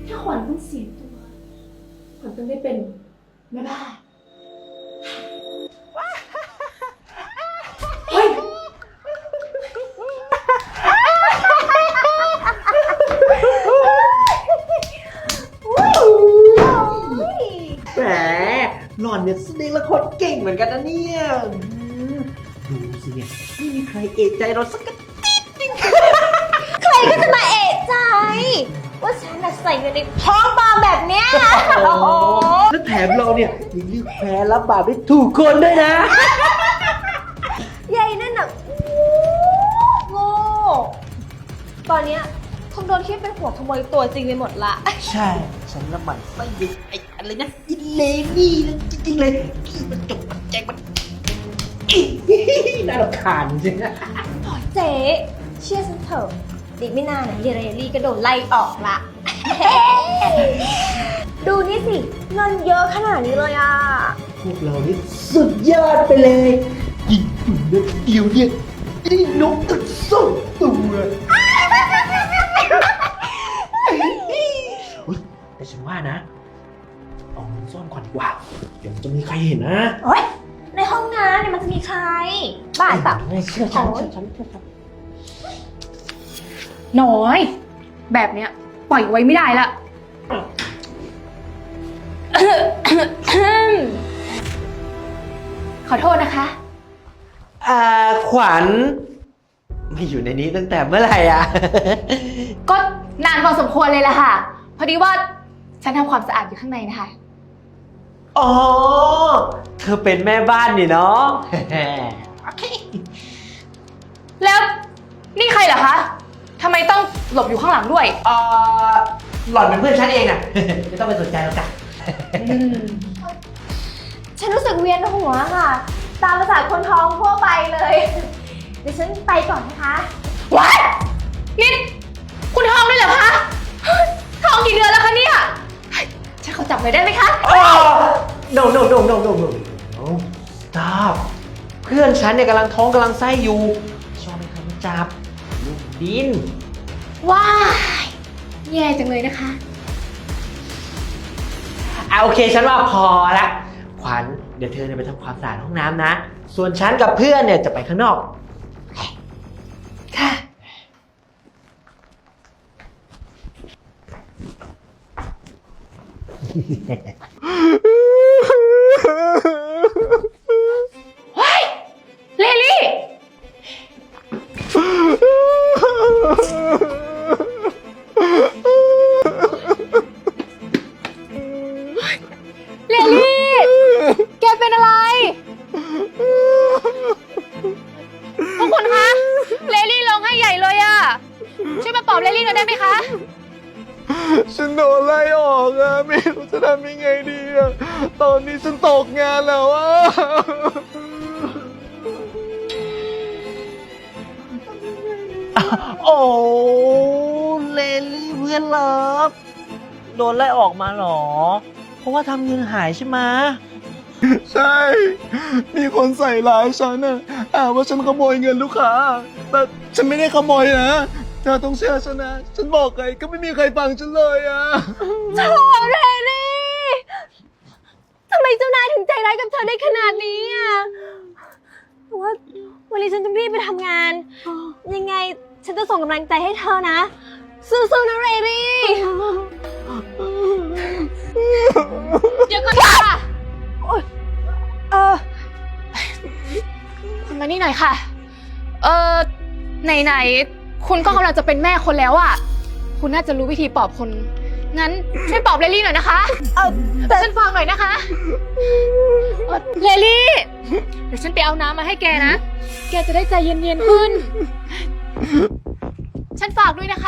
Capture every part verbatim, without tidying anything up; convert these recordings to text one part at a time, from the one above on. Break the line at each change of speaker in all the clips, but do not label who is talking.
ถ้าขวัญต้องเสียตัวขวัญต้องได้เป็นแม่บ้านเฮ้ย
แหมหล่อนเนี่ยแสดงละครเก่งเหมือนกันนะเนี่ยดูสิเนี่ยไม่มีใครเอะใจเราสักนิด
ใครก็จะมาเอะใจว่าฉันน่ะใส่เงินในท้องปลอมแบบเนี้ยโอ้โห
แล้วแถมเราเนี่ยยังเลือกแพ้รับบาปได้ถูกคนด้วยนะ
ยายนั่นน่ะโง่ตอนเนี้ยคงโดนคิดเป็นหัวขโมยตัวจริงไปหมดละ
ใช่ฉันละมันไส้ยิงไอ้อะไรนะอิเลนี่นะจริงๆเลยขี้มันจกมันแจงมันอีน่ารำคาญจริงๆนะ
เจ๊เชื่อฉันเถอะดิไม่นานนะเยเรลี่ก็โดนไล่ออกละ ดูนี่สิเงินเยอะขนาดนี้เลยอ่ะ
พวกเรานี่สุดยอดไปเลยยิงหุ่นเดียวเดียวเนี่ยได้นกตั้งสองตัวอุ๊ยแต่ฉันว่านะเอาเงินซ่อนก่อนดีกว่าเดี๋ยวมันจะมีใครเห็นนะ
โอ๊ยในห้องน้ำเนี่ยมันจะมีใครบ้าเปล่า
ไม่เชื่อฉันเชื่อฉันเชื่อฉัน
น้อย แบบเนี้ยปล่อยไว้ไม่ได้ละ ขอโทษนะคะ
อ่าขวัญไม่อยู่ในนี้ตั้งแต่เมื่อไหร่อ่ะ
ก็นานพอสมควรเลยล่ะค่ะ พอดีว่าฉันทำความสะอาดอยู่ข้างในนะคะ
อ๋อ เธอเป็นแม่บ้านนี่เนาะ โอเค
แล้วนี่ใครเหรอคะทำไมต้องหลบอยู่ข้างหลังด้วย
เอ่อหล่อนเป็นเพื่อนฉันเองน่ะ ไม่ต้องไปสนใจหรอกจ้ะ
ฉันรู้สึกเวียนหัวค่ะ ตามภาษาคนท้องทั่วไปเลย เดี๋ยวฉันไปก่อนนะคะ
ว้ายนี่คุณท้องด้วยเหรอคะท้องกี่เดือนแล้วคะเนี่ยฉันขอจับหน่อยได้ไหมคะ
no no no no no no no stop เพื่อนฉันเนี่ยกำลังท้องกำลังไส้อยู่ชอบให้ใครมาจับลูกดิน
ว้ายแย่จังเลยนะคะ
อ่ะโอเคฉันว่าพอละขวัญเดี๋ยวเธอเนี่ยไปทำความสะอาดห้องน้ำนะ ส่วนฉันกับเพื่อนเนี่ยจะไปข้างนอก
ค่ะ เฮ้ย เลลี่ เลลี่ แกเป็นอะไร พวกคุณคะ เลลี่ร้องไห้ใหญ่เลยอะช่วยมาปลอบเลลี่หน่อยได้ไหมคะ
ฉันโดนไล่ออกอะไม่รู้จะทำยังไงดีอะตอนนี้ฉันตกงานแล้วอะ
โอ้เลลี่เพื่อนเลิฟโดนไล่ออกมาเหรอ เพราะว่าทำเงินหายใช่ไหม
ใช่ มีคนใส่ร้ายฉันอะอ่าว่าฉันขโมยเงินลูกค้า แต่ฉันไม่ได้ขโมยนะเธอต้องเชื่อฉันนะ ฉันบอกใครก็ไม่มีใครฟังฉันเลยอะ
โถเรลี่ทำไมเจ้านายถึงใจร้ายกับเธอได้ขนาดนี้อ่ะแต่ว่าวันนี้ฉันต้องรีบไปทำงาน ยังไงฉันจะส่งกำลังใจให้เธอนะ สู้ๆนะเรลี่
เดี๋ยวก่อนค่ะ
เออ
คุณมานี่หน่อยค่ะ เออไหนๆคุณก็กำลังจะเป็นแม่คนแล้วอ่ะ คุณน่าจะรู้วิธีปลอบคน งั้นช่วยปลอบเลลี่หน่อยนะคะ
เออแต่
ฉันฟังหน่อยนะคะเอ่อเลลี่ เดี๋ยวฉันไปเอาน้ำมาให้แกนะ แกจะได้ใจเย็นๆขึ้น ฉันฝากด้วยนะคะ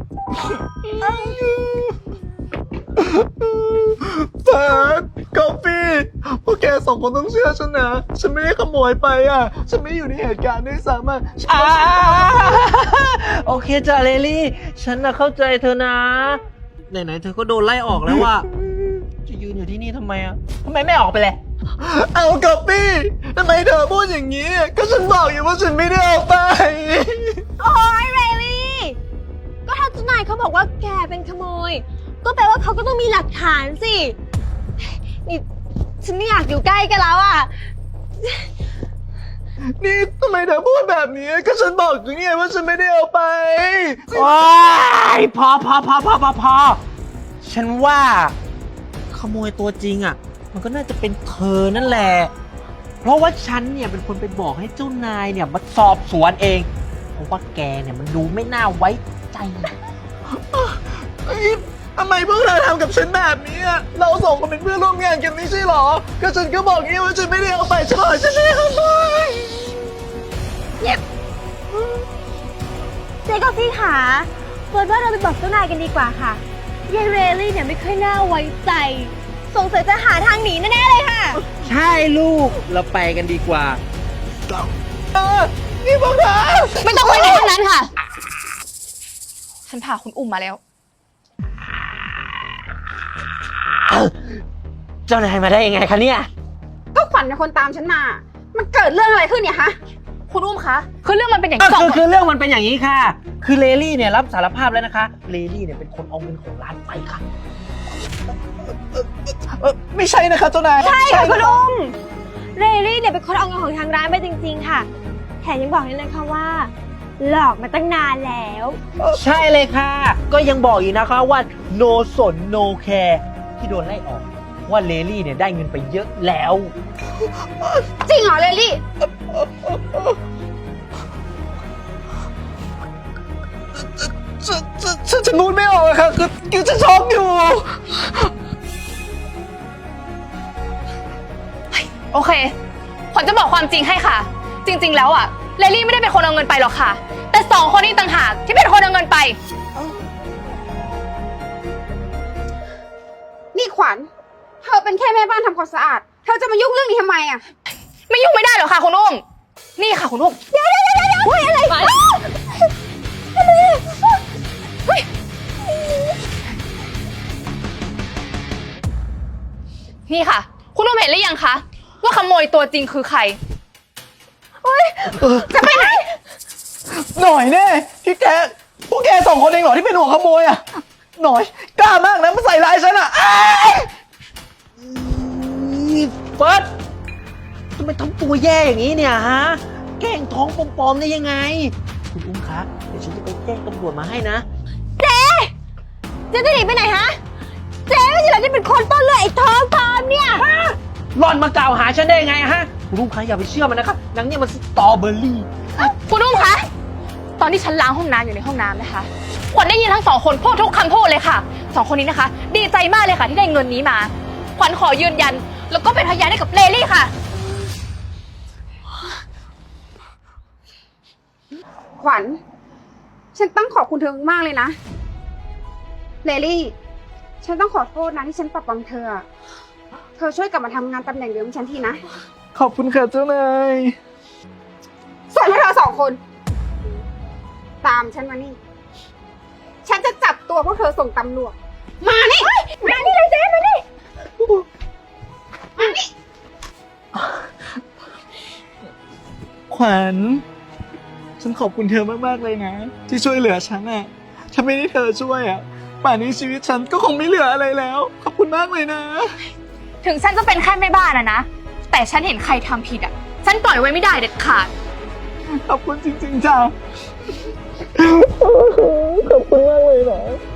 เฟิร์สกาแฟพวกแกสองคนต้องเชื่อฉันนะ ฉันไม่ได้ขโมยไปอ่ะ ฉันไม่ได้อยู่ในเหตุการณ์ด้วยซ้ำอ่ะฉัน
อ่าโอเคจ้ะเลลี่ ฉันน่ะเข้าใจเธอนะ ไหนๆเธอก็โดนไล่ออกแล้วว่าจะยืนอยู่ที่นี่ทำไมอ่ะทำไมไม่ออกไปเลย
เอากาแฟทำไมเธอพูดอย่างนี้ ก็ฉันบอกอยู่ว่าฉันไม่ได้เอาไป
โอ้ยเรลี่ ก็ถ้าเจ้านายเขาบอกว่าแกเป็นขโมยก็แปลว่าเขาก็ต้องมีหลักฐานสิ นี่ฉันไม่อยากอยู่ใกล้กันแล้วอ่ะ
นี่ทำไมเธอพูดแบบนี้ ก็ฉันบอกอยู่ไงว่าฉันไม่ได้เอาไป
โอ้ยพอพอพอพอพอพอฉันว่า ขโมยตัวจริงอ่ะ มันก็น่าจะเป็นเธอนั่นแหละ เพราะว่าฉันเนี่ยเป็นคนไปบอกให้เจ้านายเนี่ยมาสอบสวนเอง เพราะว่าแกเนี่ยมันดูไม่น่าไว้ใจ
เอ้ยทำไมพวกเธอทำกับฉันแบบนี้อะเราสองคนเป็นเพื่อนร่วมงานกันไม่ใช่หรอ ก็ฉันก็บอกงี้ว่าฉันไม่ได้เอาไปฉันบอกฉันไม่ได้เอาไป
เจ๊ก็พี่ขาเฟิร์นว่าเราไปบอกเจ้านายกันดีกว่าค่ะยายเรลลี่เนี่ยไม่ค่อยน่าไว้ใจ สงสัยจะหาทางหนีแน่ๆเลยค่ะ
ใช่ลูก เราไปกันดีกว่า
เออนี่พวกเธอ
ไม่ต้องไปไหนทั้งนั้นค่ะ ฉันพาคุณอุ้มมาแล้ว
เจ้านายมาได้ยังไงคะเนี่ย
ก็ขวัญเป็นคนตามฉันมา มันเกิดเรื่องอะไรขึ้นเนี่ยฮะ
คุณอุ้มคะ คือเรื่องมันเป็นอย่าง
ก็
นี้สอง
คือ
คน
คือเรื่องมันเป็นอย่างนี้ค่ะ คือเลลี่เนี่ยรับสารภาพแล้วนะคะ เลลี่เนี่ยเป็นคนเอาเงินของร้านไปค่ะ
เออไม่ใช่นะคะเจ้านาย
ใช่ค่ะคุณ
รับ
อุ้ม เรลลี่เนี่ยเป็นคนเอาเงินของทางร้านไปจริงๆค่ะ แถมยังบอกเลยนะคะว่า หลอกมาตั้งนานแล้ว
ใช่เลยค่ะ ก็ยังบอกอีกนะคะว่า no สน no care ที่โดนไล่ออก ว่าเลลี่เนี่ยได้เงินไปเยอะแล้ว
จริงเหรอเลลี่
ฉันฉันฉันฉันพูดไม่ออกอะค่ะคือคือฉันช็อกอยู่
โอเคขวัญจะบอกความจริงให้ค่ะ จริง ๆ แล้วอ่ะ เลลี่ไม่ได้เป็นคนเอาเงินไปหรอกค่ะ แต่สองคนนี้ต่างหากที่เป็นคนเอาเงินไป
นี่ขวัญ เธอเป็นแค่แม่บ้านทำความสะอาด เธอจะมายุ่งเรื่องนี้ทำไมอะ
ไม่ยุ่งไม่ได้หรอกค่ะคุณอุ้ม นี่ค่ะคุณอุ้ม เดี๋ยวเดี๋ยวเดี๋ยวเดี๋ยวอะไรเฮ้ยนี่ค่ะ คุณอุ้มเห็นหรือยังคะ ว่าขโมยตัวจริงคือใคร
จะไปไหน
หน่อยแน่พี่แกพวกแกสองคนเองเหรอที่เป็นหัวขโมยอะหน่อยกล้ามากนะมาใส่ร้ายฉันอะอ้าย
เฟิร์สทำไมทำตัวแย่อย่างนี้เนี่ยฮะ แกล้งท้องปลอมๆได้ยังไง คุณอุ้มคะ เดี๋ยวฉันจะไปแจ้งตำรวจมาให้นะ
เจ๊จะหนีไปไหนฮะ เจ๊ไม่ใช่เหรอที่เป็นคนต้นเรื่องไอ้ท้องปลอมเนี่ย
หล่อนมากล่าวหาฉันได้ยังไงฮะ คุณอุ้มคะอย่าไปเชื่อมันนะครับนางเนี่ยมันสตรอเบอร์รี่
คุณอุ้มคะ ตอนที่ฉันล้างห้องน้ำอยู่ในห้องน้ำนะคะขวัญได้ยินทั้งสองคนพูดทุกคำพูดเลยค่ะ สองคนนี้นะคะ ดีใจมากเลยค่ะที่ได้เงินนี้มา ขวัญขอยืนยัน แล้วก็เป็นพยานให้กับเลลี่ค่ะ
ขวัญ ฉันต้องขอบคุณเธอมากเลยนะ เลลี่ ฉันต้องขอโทษนะที่ฉันปรับปรามเธอ เธอช่วยกลับมาทำงานตำแหน่งเดิมฉันทีนะ
ขอบคุณค่ะเจ้านาย
ส่วนพวกเธอสองคน ตามฉันมานี่ ฉันจะจับตัวพวกเธอส่งตำรวจ มานี่ มานี่เลยเจ๊มานี่ มานี่
ขวัญ ฉันขอบคุณเธอมากๆเลยนะ ที่ช่วยเหลือฉันอะถ้าไม่ได้เธอช่วยอะป่านนี้ชีวิตฉันก็คงไม่เหลืออะไรแล้ว ขอบคุณมากเลยนะ
ถึงฉันจะเป็นแค่แม่บ้านอะนะ แต่ฉันเห็นใครทำผิดอะฉันปล่อยไว้ไม่ได้เด็ดขาด
ขอบคุณจริงๆจ้า ขอบคุณมากเลยนะ